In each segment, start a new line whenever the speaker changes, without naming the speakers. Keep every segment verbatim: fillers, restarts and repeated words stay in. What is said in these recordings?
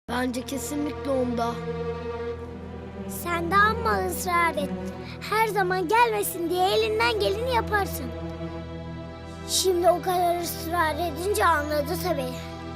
Bence kesinlikle onda.
Sen de amma ısrar et. Her zaman gelmesin diye elinden geleni yaparsın. Şimdi o kadar ısrar edince anladı tabii.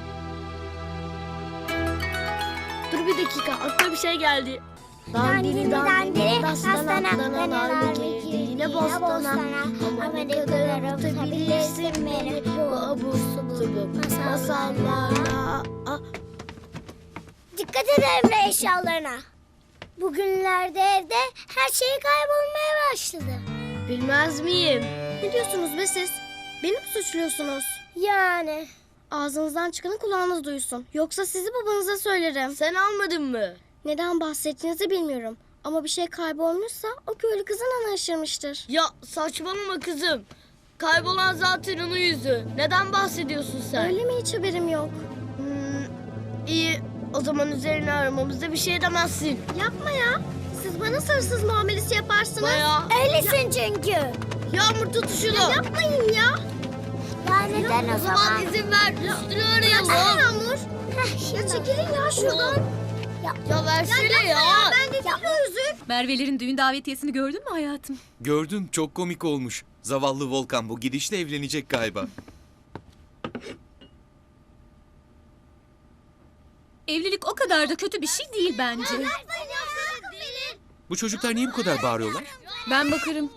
Dur bir dakika, aklıma bir şey geldi.
Dandini dandini,
dastana, dastana, nargile, yine bostana.
Ama ne kadar avutabilirsin beni bu abur subur masallarla.
Ah,
Dikkat et Emre eşyalarına. Bugünlerde evde her şey kaybolmaya başladı.
bilmez miyim?
Ne diyorsunuz be siz? Beni mi suçluyorsunuz?
Yani
Ağzınızdan çıkanı kulağınız duysun. Yoksa sizi babanıza söylerim.
Sen almadın mı?
Neden bahsettiğinizi bilmiyorum. Ama bir şey kaybolmuşsa o köylü kızın ana aşırmıştır.
Ya saçmalama kızım. Kaybolan zaten onun yüzü. Neden bahsediyorsun sen?
Öyle mi, hiç haberim yok.
Hmm, iyi. O zaman üzerine aramamızda bir şey demezsin.
Yapma ya. Siz bana hırsız muamelesi yaparsınız.
Bayağı.
öylesin çünkü.
Yağmur tut şunu.
Yapmayın ya.
Ya neden o
O zaman
zaman?
izin ver. Üstünü
Ay
arayalım.
Yağmur.
Heh,
Ya
şimdi.
çekilin ya şuradan.
Ya versene ya.
Ben de değil o yüzük.
Merve'lerin düğün davetiyesini gördün mü hayatım?
Gördüm, çok komik olmuş. Zavallı Volkan bu gidişle evlenecek galiba.
Evlilik o kadar da kötü bir şey değil bence.
Bu çocuklar niye bu kadar bağırıyorlar?
Ben bakarım.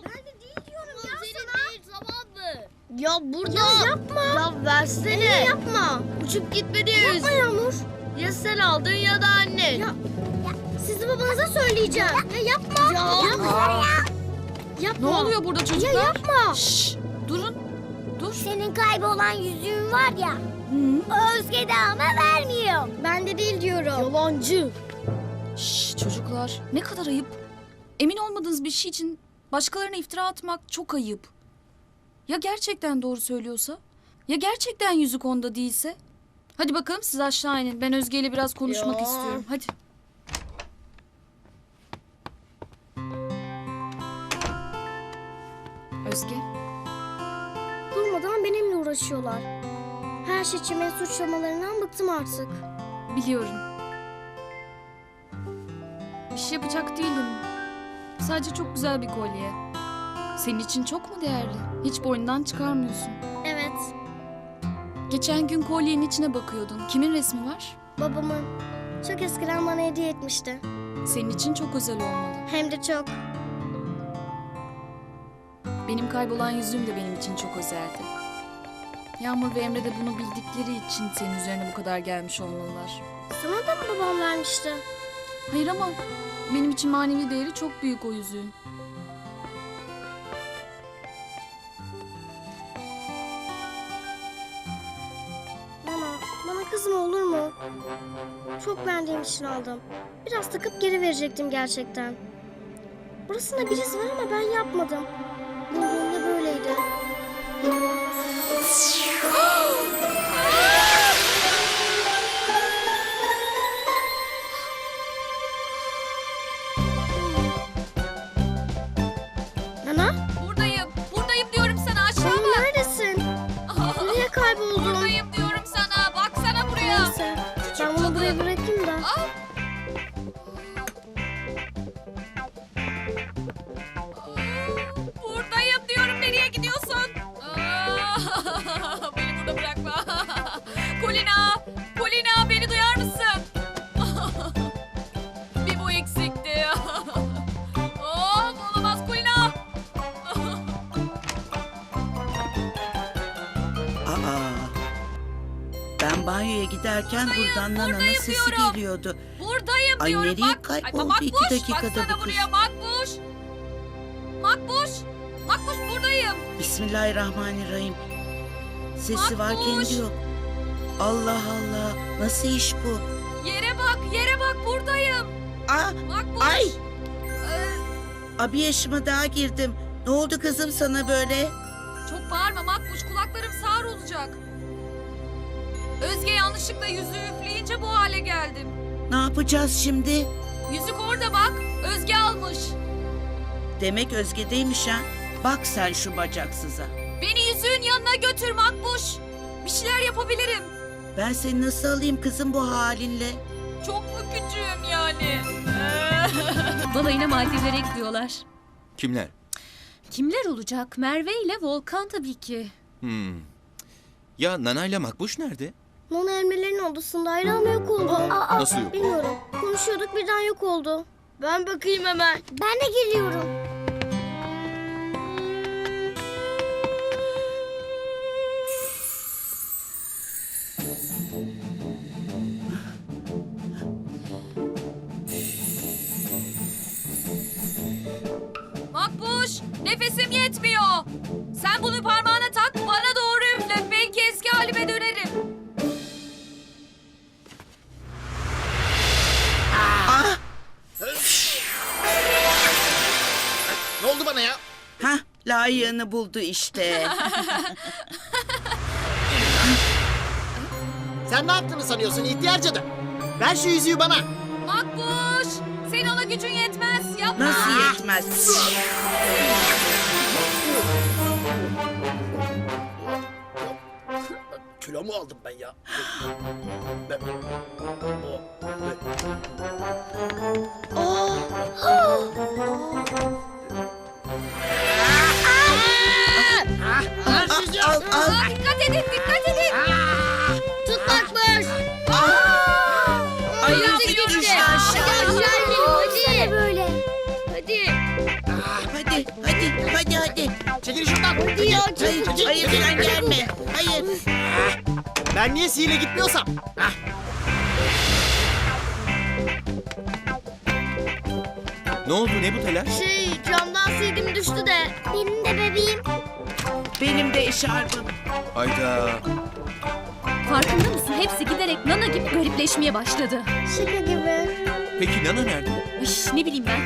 Ya burada. Ya yapma. Ya versene.
Yapma.
Uçup gitme diye
Yapma Yağmur.
Ya sen aldın ya da annen.
Ya, Sizi babanıza söyleyeceğim. Ya yapma.
Ya.
Yapma. Yapma.
Ne oluyor burada çocuklar?
Ya yapma.
Şşş, durun. Dur.
Senin kaybolan yüzüğün var ya.
Hı?
O Özge de ama vermiyor.
Ben de değil diyorum.
Yalancı.
Şşş çocuklar, ne kadar ayıp. Emin olmadığınız bir şey için başkalarına iftira atmak çok ayıp. Ya gerçekten doğru söylüyorsa? Ya gerçekten yüzük onda değilse? Hadi bakalım siz aşağı inin. Ben Özge ile biraz konuşmak
Ya.
istiyorum. Hadi. Özge.
Durmadan benimle uğraşıyorlar. Her şey için beni suçlamalarından bıktım artık.
Biliyorum. Bir şey yapacak değilim. Sadece çok güzel bir kolye. Senin için çok mu değerli? Hiç boynundan çıkarmıyorsun.
Evet,
Geçen gün kolyenin içine bakıyordun. Kimin resmi var?
babamın çok eskiden bana hediye etmişti.
Senin için çok özel olmalı.
Hem de çok.
Benim kaybolan yüzüğüm de benim için çok özeldi. Yağmur ve Emre de bunu bildikleri için senin üzerine bu kadar gelmiş olmalılar.
Sana da mı babam vermişti?
Hayır ama benim için manevi değeri çok büyük o yüzüğün.
Bana, bana kızma olur mu? Çok beğendiğim için aldım. Biraz takıp geri verecektim gerçekten. Burasında bir iz var ama ben yapmadım. Bulduğumda böyleydi. Nana,
Buradayım. Buradayım diyorum sana aşağı
Nana neredesin? Nereye kayboldun?
Buradayım diyorum sana. Baksana buraya.
Neyse, ben bunu buraya bırakayım da.
Buradayım diyorum. Nereye gidiyorsun? Aa, beni burada bırakma. Kulina! Kulina beni duyar mısın? Bir bu eksikti. Of olamaz Kulina!
Aa, ben banyoya giderken buradan Nana'nın
buradayım
sesi
diyorum.
geliyordu.
Buradayım
Ay,
diyorum.
nereye
Bak,
kayboldu
ay, Makbuş,
iki dakikada
baksana
bu kız?
buraya Makbuş. Makbuş. Makbuş buradayım.
Bismillahirrahmanirrahim. Sesi var
Makbuş.
kendi yok. Allah Allah, nasıl iş bu?
Yere bak, yere bak buradayım.
Aa,
Makbuş.
ay,
Ee,
abi yaşıma daha girdim. Ne oldu kızım sana böyle?
çok bağırma Makbuş, kulaklarım sağır olacak. Özge yanlışlıkla yüzüğü üfleyince bu hale geldim.
Ne yapacağız şimdi?
Yüzük orada bak, Özge almış.
Demek Özge'deymiş ha. Bak sen şu bacaksıza.
Beni yüzüğün yanına götür Makbuş. Bir şeyler yapabilirim.
Ben seni nasıl alayım kızım bu halinle?
Çok mu küçüğüm yani?
Balayına Maldivler ekliyorlar.
Kimler?
Kimler olacak? Merve ile Volkan tabii ki.
Hmm. Ya Nana ile Makbuş nerede?
Nana elmelerin odasında ama yok oldu. Aa,
Nasıl yok?
bilmiyorum. Konuşuyorduk birden yok oldu.
Ben bakayım hemen.
Ben de geliyorum.
Makbuş, nefesim yetmiyor. Sen bunu parmağına tak, bana doğru üfle. Belki eski halime dönerim.
Ne oldu bana ya?
Hah, layığını buldu işte.
Sen ne yaptığını sanıyorsun ihtiyar cadı? Ver şu yüzüğü bana.
Makbuş, senin ona gücün yetmez. Yapma.
Nasıl yetmez?
Kilo mu aldım ben ya? Ben... Ver şu yüzüğü.
Al, al.
Aa, dikkat edin, dikkat edin.
Tut Makbuş.
Ayağım
Yüzük
düştü
gitti. Hadi
aşağı.
aşağı inelim
Sen
hadi.
böyle.
Hadi.
Hadi, hadi, hadi, hadi.
Çekil şuradan.
Hadi ya
Hayır,
çabuk.
hayır sen gelme. Hayır.
Ben niye sihirle gitmiyorsam? Hah.
Ne oldu ne bu telaş?
Şey camdan sildim düştü de.
Benim de bebeğim.
Benim de eşarbım.
Hayda.
Farkında mısın? Hepsi giderek Nana gibi garipleşmeye başladı.
Şaka gibi.
Peki Nana nerede?
Ay, ne bileyim ben.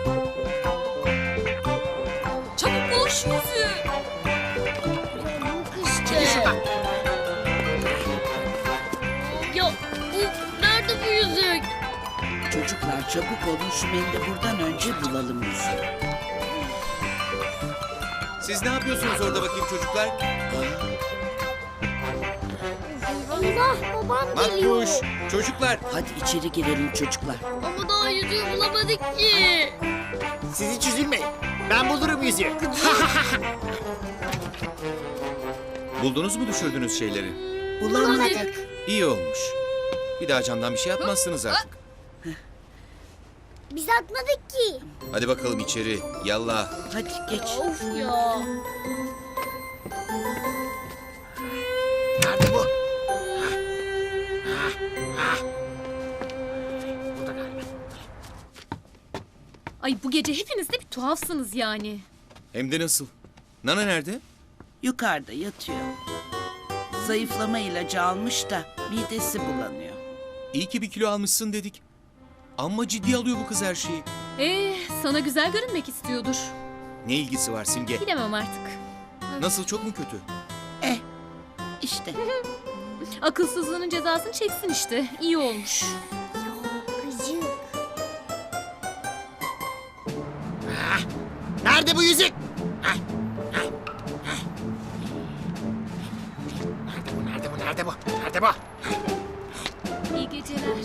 Çabuk bul şu yüzüğü.
Yok işte. Ya bu nerede bu yüzük?
Çocuklar çabuk olun şu mendili buradan önce bulalım yüzüğü.
Siz ne yapıyorsunuz orada bakayım çocuklar?
Allah babam geliyor.
Makbuş, çocuklar.
Hadi içeri girelim çocuklar.
Ama daha yüzüğü bulamadık ki.
Siz hiç üzülmeyin. Ben bulurum yüzüğü.
Buldunuz mu düşürdüğünüz şeyleri?
Bulamadık.
İyi olmuş. Bir daha camdan bir şey yapmazsınız artık.
Biz atmadık ki.
Hadi bakalım içeri. Yallah.
Hadi geç.
Of ya.
Nerede bu?
Ay bu gece hepiniz de bir tuhafsınız yani.
Hem de nasıl? Nana nerede?
Yukarıda yatıyor. Zayıflama ilacı almış da midesi bulanıyor.
İyi ki bir kilo almışsın dedik. Ama ciddi alıyor bu kız her şeyi.
Ee, sana güzel görünmek istiyordur.
Ne ilgisi var Simge?
Bilemem artık.
Nasıl, çok mu kötü?
Eh işte.
Akılsızlığının cezasını çeksin işte. İyi olmuş.
Gıcık.
Nerede bu yüzük? Hah, hah, hah. Nerede bu? Nerede bu? Nerede bu? Nerede bu?
İyi geceler.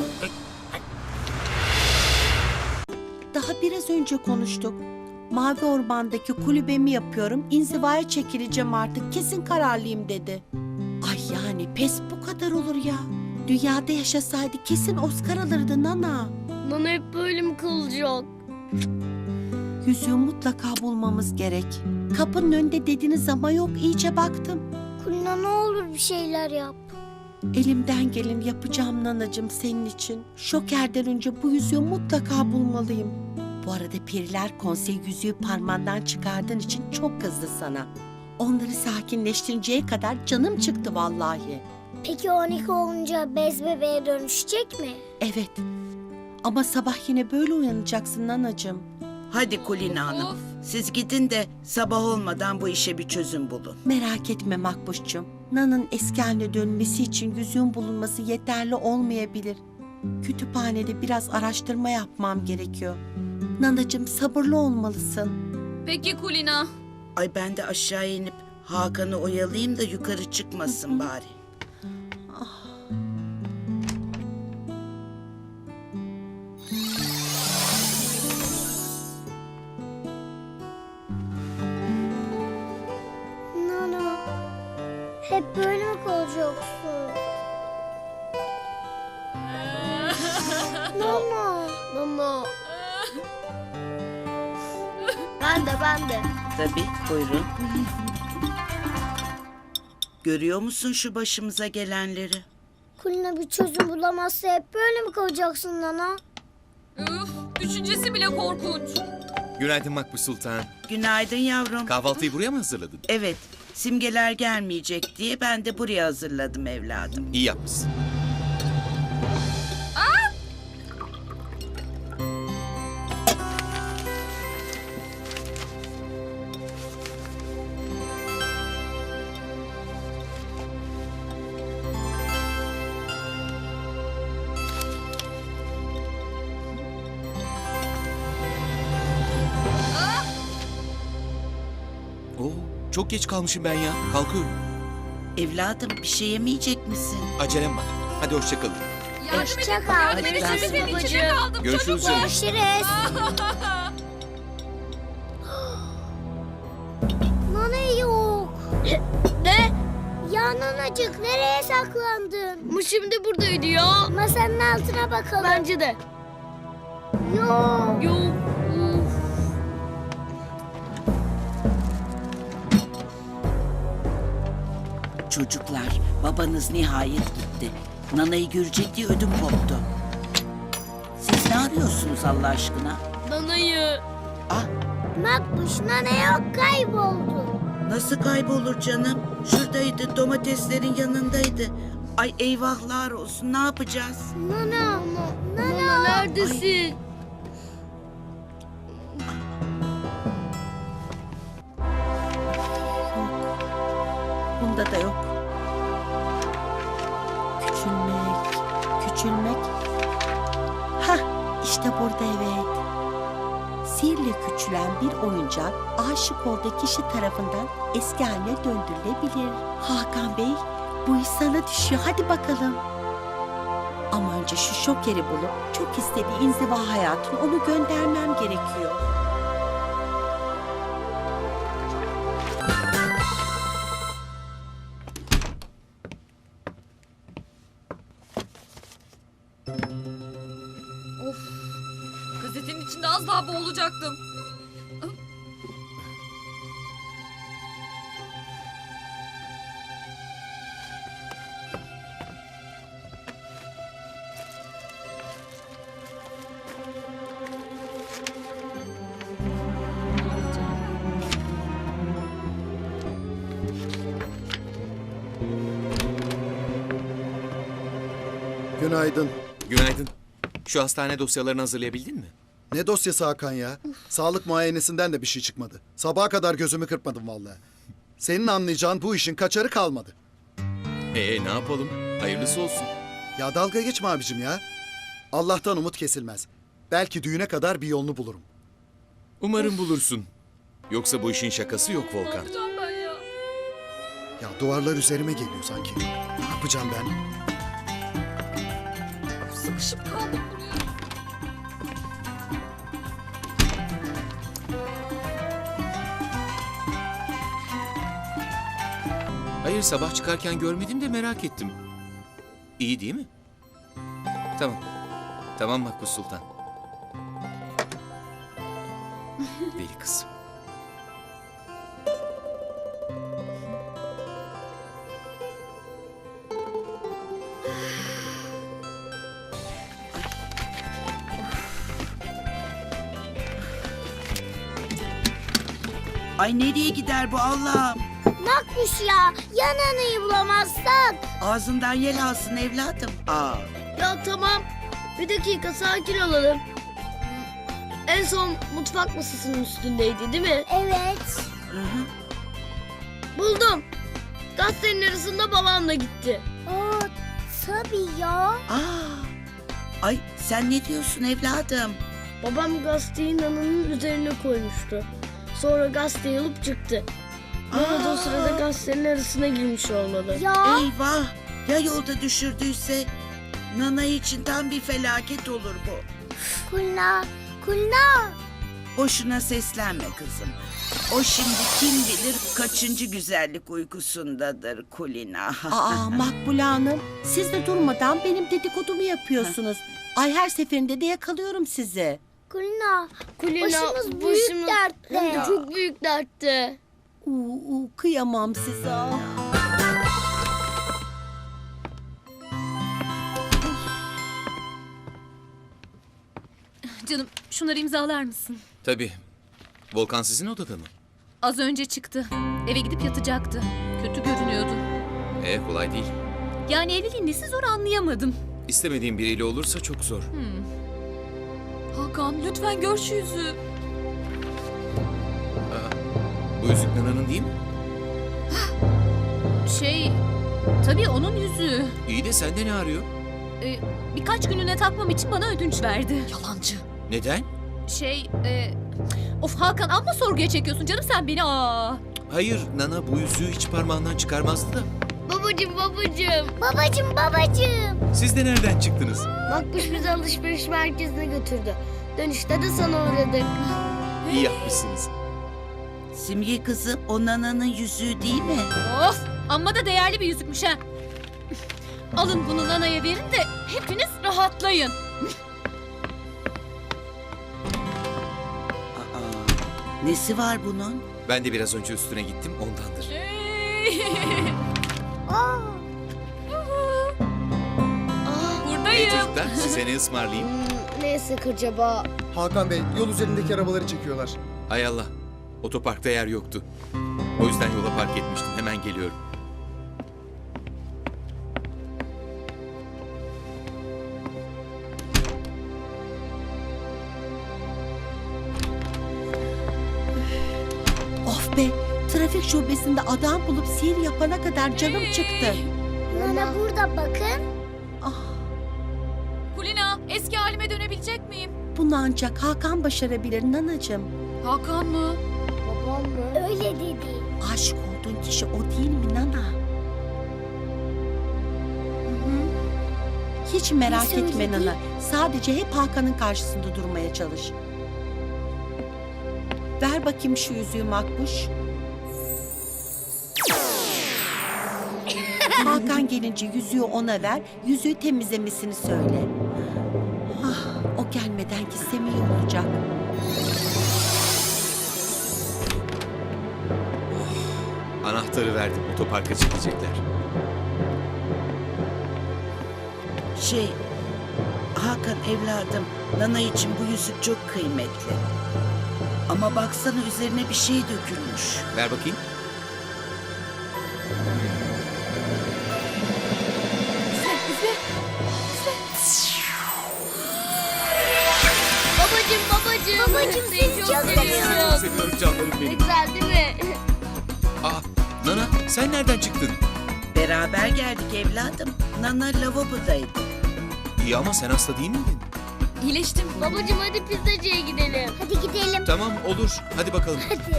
Daha biraz önce konuştuk. Mavi Orman'daki kulübemi yapıyorum. İnzivaya çekileceğim artık. Kesin kararlıyım dedi. Ay yani pes bu kadar olur ya. Dünyada yaşasaydı kesin Oscar alırdı Nana.
Nana hep böyle mi kalacak?
Yüzüğü mutlaka bulmamız gerek. Kapının önünde dediniz ama yok, iyice baktım.
Kulina ne olur bir şeyler yap.
Elimden gelin yapacağım Nanacığım senin için. Şokerden önce bu yüzüğü mutlaka bulmalıyım. Bu arada Periler Konseyi yüzüğü parmağından çıkardığın için çok kızdı sana. Onları sakinleştirinceye kadar canım çıktı vallahi.
Peki on iki olunca bez bebeğe dönüşecek mi?
Evet. Ama sabah yine böyle uyanacaksın Nanacığım.
Hadi Kulina Hanım.
Of.
Siz gidin de sabah olmadan bu işe bir çözüm bulun.
Merak etme Makbuş'cum. Nan'ın eski haline dönmesi için yüzüğün bulunması yeterli olmayabilir. Kütüphanede biraz araştırma yapmam gerekiyor. Nanacığım sabırlı olmalısın.
Peki Kulina.
Ay ben de aşağı inip Hakan'ı oyalayayım da yukarı çıkmasın bari.
Hep böyle mi kalacaksın? Nana.
Nana. Ben de ben de.
Tabii, buyurun. Görüyor musun şu başımıza gelenleri?
Kulina bir çözüm bulamazsa hep böyle mi kalacaksın Nana?
Üf, düşüncesi bile korkunç.
Günaydın Makbuş Sultan.
Günaydın yavrum.
Kahvaltıyı buraya mı hazırladın?
Evet, simgeler gelmeyecek diye ben de buraya hazırladım evladım.
İyi yapmışsın. Oo, çok geç kalmışım ben ya. Kalkıyorum.
Evladım bir şey yemeyecek misin?
Acelem var. Hadi hoşça kalın.
Yardım
Hoşça
edin.
kal.
Yardım
Hadi
edin.
ben
Sizin
sana
içinde
bacım.
kaldım
Görüşürüz
çocuklar.
Görüşürüz. Nana yok.
Ne?
Ya nanacık nereye saklandın?
Bu şimdi buradaydı ya.
Masanın altına bakalım.
Bence de.
Yok.
Yok. Uf.
Çocuklar, babanız nihayet gitti. Nana'yı görecek diye ödüm koptu. Siz ne arıyorsunuz Allah aşkına?
Nana'yı.
Ah,
Makbuş nana yok kayboldu.
nasıl kaybolur canım? Şuradaydı, domateslerin yanındaydı. Ay eyvahlar olsun, ne yapacağız?
Nana. Nana.
Nana neredesin?
Bunda da yok. Küçülmek, küçülmek. Hah, işte burada evet. Sihirle küçülen bir oyuncak aşık olduğu kişi tarafından eski haline döndürülebilir. Hakan Bey, bu iş sana düşüyor. Hadi bakalım. Ama önce şu şokeri bulup çok istediği inziva hayatına onu göndermem gerekiyor.
Of. Gazetenin içinde az daha boğulacaktım.
Günaydın.
Günaydın. Şu hastane dosyalarını hazırlayabildin mi?
Ne dosyası Hakan ya? Sağlık muayenesinden de bir şey çıkmadı. Sabaha kadar gözümü kırpmadım vallahi. Senin anlayacağın bu işin kaçarı kalmadı.
Ee ne yapalım? Hayırlısı olsun.
Ya dalga geçme abicim ya. Allah'tan umut kesilmez. Belki düğüne kadar bir yolunu bulurum.
Umarım bulursun. Yoksa bu işin şakası yok
Ne
Volkan.
yapacağım ben ya?
Ya duvarlar üzerime geliyor sanki. Ne yapacağım ben?
Sıkışıp kaldım buraya.
Hayır sabah çıkarken görmedim de merak ettim. İyi değil mi? Tamam. Tamam Makbuş Sultan. Deli kızım.
Ay nereye gider bu Allah'ım?
Makbuş ya. Ya nanayı bulamazsak?
Ağzından yel alsın evladım. Aa,
Ya tamam. Bir dakika sakin olalım. En son mutfak masasının üstündeydi değil mi?
Evet.
hı hı.
Buldum. Gazetenin arasında babamla gitti.
Aa, tabii ya.
Aa, ay sen ne diyorsun evladım?
Babam gazeteyi Nana'nın üzerine koymuştu. Sonra gazeteyi alıp çıktı. Nana da o sırada gazetenin arasına girmiş olmalı.
Ya.
Eyvah! Ya yolda düşürdüyse? Nana için tam bir felaket olur bu.
Kulina. Kulina.
Boşuna seslenme kızım. O şimdi kim bilir kaçıncı güzellik uykusundadır Kulina.
Aa Makbule Hanım, siz de durmadan benim dedikodumu yapıyorsunuz. Ay her seferinde de yakalıyorum sizi.
Kulina,
Kulina,
başımız büyük
başımız-
dertte.
Hem de çok büyük dertte.
Uu, uu, kıyamam size. ah.
Canım şunları imzalar mısın?
Tabii. Volkan sizin odada mı?
Az önce çıktı. Eve gidip yatacaktı. Kötü görünüyordu.
E kolay değil.
Yani evliliğin nesi zor anlayamadım.
İstemediğim biriyle olursa çok zor.
Hakan lütfen gör şu yüzüğü.
Bu yüzük Nana'nın değil mi?
Şey, tabii onun yüzüğü.
İyi de sende ne arıyor?
Ee, birkaç gününe takmam için bana ödünç verdi.
Yalancı.
Neden?
Şey, e, of Hakan amma sorguya çekiyorsun canım sen beni. Aa.
Hayır, Nana bu yüzüğü hiç parmağından çıkarmazdı da.
Babacım babacım.
Babacım babacım.
Siz de nereden çıktınız?
Makbuş bizi alışveriş merkezine götürdü. Dönüşte de sana uğradık.
İyi yapmışsınız.
Simge kızım o Nana'nın yüzüğü değil mi?
Of, amma da değerli bir yüzükmüş ha. Alın bunu Nana'ya verin de hepiniz rahatlayın.
Aa, nesi var bunun?
Ben de biraz önce üstüne gittim ondandır.
Aa,
Buradayım.
Çocuklar size ne ısmarlayayım?
Hmm, neyse acaba.
Hakan Bey yol üzerindeki arabaları çekiyorlar.
Hay Allah. Otoparkta yer yoktu. O yüzden yola park etmiştim. Hemen geliyorum.
Of be, trafik şubesinde adam bulup sihir yapana kadar canım çıktı.
Nana burada bakın.
Ah,
Kulina eski halime dönebilecek miyim?
bunu ancak Hakan başarabilir nanacığım.
Hakan mı?
Babam mı?
Öyle dedi.
Aşık olduğun kişi o değil mi Nana? Hiç merak
Ne
etme
söyledi?
Nana. Sadece hep Hakan'ın karşısında durmaya çalış. Ver bakayım şu yüzüğü Makbuş. Hakan gelince yüzüğü ona ver, yüzüğü temizlemesini söyle. Ah, o gelmeden gitsem iyi olacak.
Anahtarı verdim. Otoparka çekecekler.
Şey, Hakan evladım, Nana için bu yüzük çok kıymetli. Ama baksana üzerine bir şey dökülmüş.
Ver bakayım.
Babacım babacım.
Babacım, seni çok seviyorum.
Seviyorum canlarım
Ne
benim.
güzel değil mi?
Aa, Nana sen nereden çıktın?
Beraber geldik evladım. Nana lavabodaydı.
İyi ama sen hasta değil miydin?
İyileştim.
Babacım hadi pizzacıya gidelim.
Hadi gidelim.
Tamam olur. Hadi bakalım.
Hadi.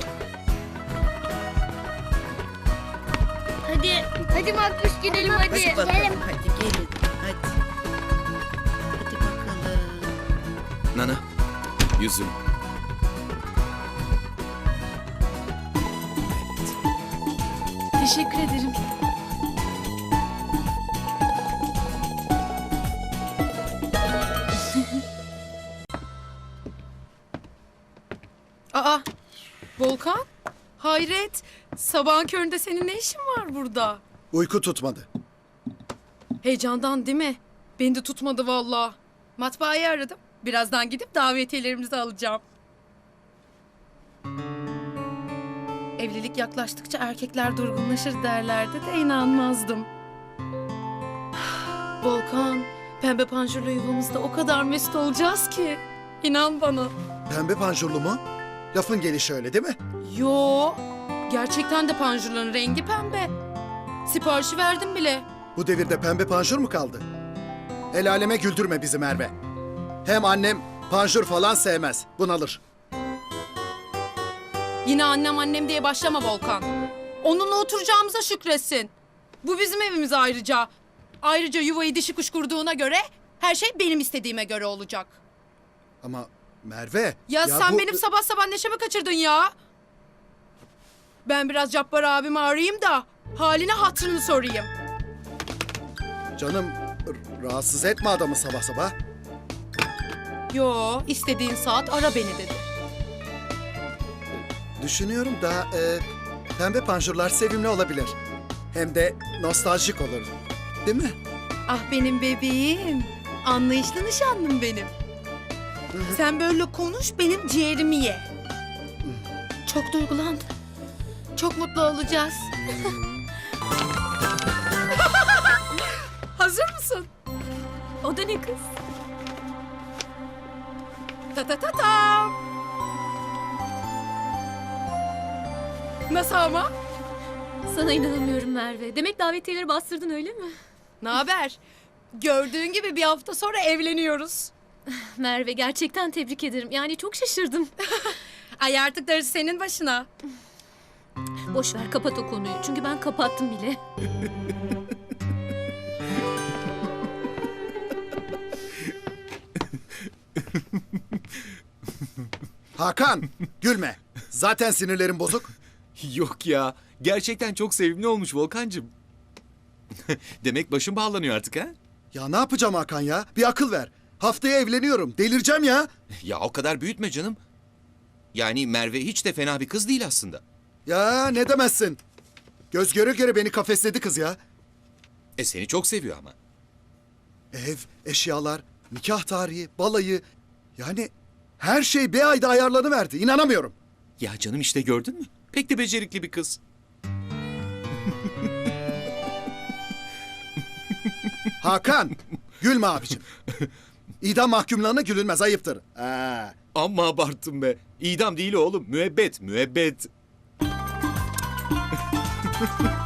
Hadi. Hadi Makbuş gidelim hadi.
Hadi bakalım,
Gidelim.
hadi gelin. Hadi. Hadi bakalım.
Nana, yüzüm.
Teşekkür ederim.
Aa, Volkan? Hayret, sabahın köründe senin ne işin var burada?
Uyku tutmadı.
Heyecandan değil mi? Beni de tutmadı vallahi. Matbaayı aradım. Birazdan gidip davetiyelerimizi alacağım. Evlilik yaklaştıkça erkekler durgunlaşır derlerdi de inanmazdım. Volkan, pembe panjurlu yuvamızda o kadar mesut olacağız ki. İnan bana.
Pembe panjurlu mu? Lafın gelişi öyle değil mi?
Yo, gerçekten de panjurların rengi pembe. Siparişi verdim bile.
Bu devirde pembe panjur mu kaldı? El aleme güldürme bizi Merve. Hem annem panjur falan sevmez. Bunalır.
Yine annem annem diye başlama Volkan. Onunla oturacağımıza şükretsin. Bu bizim evimiz ayrıca. Ayrıca yuvayı dişi kuş kurduğuna göre her şey benim istediğime göre olacak.
Ama Merve.
Ya, sen
bu-
benim sabah sabah neşemi kaçırdın ya. Ben biraz Cabbar abimi arayayım da halini hatırını sorayım.
Canım r- rahatsız etme adamı sabah sabah.
Yo, istediğin saat ara beni dedi.
Düşünüyorum da e, pembe panjurlar sevimli olabilir. Hem de nostaljik olur. Değil mi?
Ah benim bebeğim. Anlayışlı nişanlım benim. Sen böyle konuş, benim ciğerimi ye. Çok duygulandım. Çok mutlu olacağız. Hazır mısın?
O da ne kız?
Ta ta ta ta. Nasıl ama?
Sana inanamıyorum Merve. Demek davetiyeleri bastırdın öyle mi?
Ne haber? Gördüğün gibi bir hafta sonra evleniyoruz.
Merve gerçekten tebrik ederim. Yani çok şaşırdım.
Ay artık darısı senin başına.
Boş ver kapat o konuyu. Çünkü ben kapattım bile.
Hakan gülme. Zaten sinirlerim bozuk.
Yok ya. Gerçekten çok sevimli olmuş Volkancığım. Demek başım bağlanıyor artık ha?
Ya ne yapacağım Hakan ya? Bir akıl ver. Haftaya evleniyorum. Delireceğim ya.
Ya o kadar büyütme canım. Yani Merve hiç de fena bir kız değil aslında.
Ya ne demezsin. Göz göre göre beni kafesledi kız ya.
E seni çok seviyor ama.
Ev, eşyalar, nikah tarihi, balayı. Yani her şey bir ayda ayarlanıverdi. İnanamıyorum.
Ya canım işte gördün mü? Pek de becerikli bir kız.
Hakan, gülme abicim. İdam mahkumlarına gülünmez, ayıptır. Ha.
Amma abarttım be. İdam değil oğlum. Müebbet, müebbet.